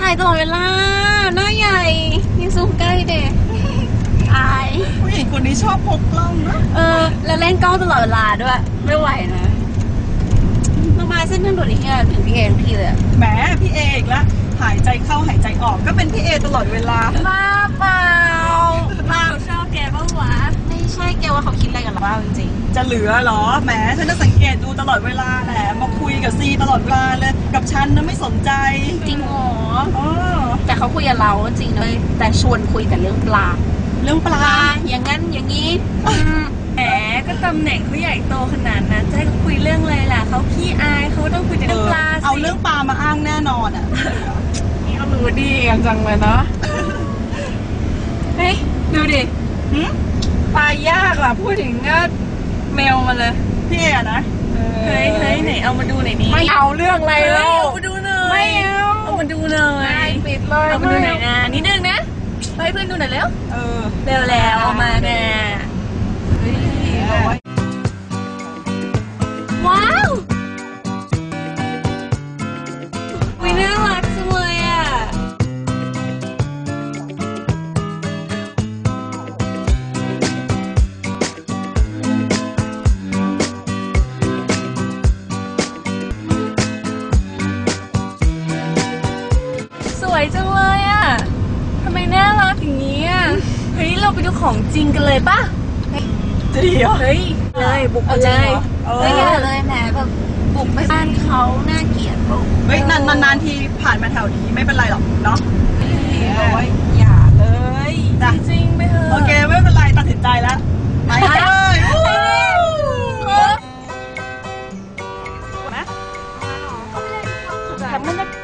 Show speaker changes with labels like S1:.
S1: ายตลอดเวลาหน้าใหญ่ยังซูมใกล้เด็กอาย
S2: ผู้หญิงคนนี้ชอบพกกล้องนะ
S1: แล้วเล่นกล้องตลอดเวลาด้วยไม่ไหวนะมาเส้นทางด่วนนี้ถึงพี่เอทุกทีเลย
S2: แหมพี่เออีกแล้วหายใจเข้าหายใจออกก็เป็นพี่เอตลอดเวลา
S1: บ้าเปล่าชอบแกบ้าวะไม่ใช่แกว่าเขาคิดอะไรกับเราบ้างจริง
S2: จะเหลือหรอแหมฉันจะสังเกตดูตลอดเวลาแหมมาคุยกับซีตลอดเวลาเลยกับฉันนะไม่สนใจ
S1: จริงหรอแต่เขาคุยกับเราจริงเลยแต่ชวนคุยแต่เรื่องปลาอย่างนั้นอย่างนี้แหมก็ตำแหน่งเขาใหญ่โตขนาดนั้นจะให้เขาคุยเรื่องอะไรล่ะเขาขี้อายเขาต้องคุยแต่เรื่องปลา
S2: เอาเรื่องปลามาอ้างแน่นอนอ่ะ
S1: นี่ก็รู้ดีกันจังเลยเนาะเฮ้ยดูดิปลายากล่ะพูดถึงก็เมลมาเลย
S2: พี่เอ๋นะ
S1: เฮ้ยไหนเอามาดูหน่อยดิไม่เอาเรื่องอะไรแล้วเอามาดูหน่อยไม่เอามาดูหน่อยปิดเลยเอามาดูหน่อยนะนิดนึงนะให้เพื่อนดูหน่อยเร็วเร็วแล้วเอามาแน่ว้าววิน่ารักจังเลยอ่ะสวยจังเลยอ่ะทำไมน่ารักอย่างนี้อ่ะเฮ้ยเราไปดูของจริงกันเลยป่ะ
S2: จะดีเหรอ
S1: เฮ้ยเลยบุกไปเลยอย่าเลยแหมแบบบุกไปบ้านเขาน่าเกลียดบุก
S2: เฮ้ยนานทีผ่านมาแถวนี้ไม่เป็นไรหรอกเนาะ
S1: อย่าเลยจริงไม่เถอะ
S2: โอเคไม่เป็นไรตัดสินใจแล้วไปเลย
S1: ทำบรรยาก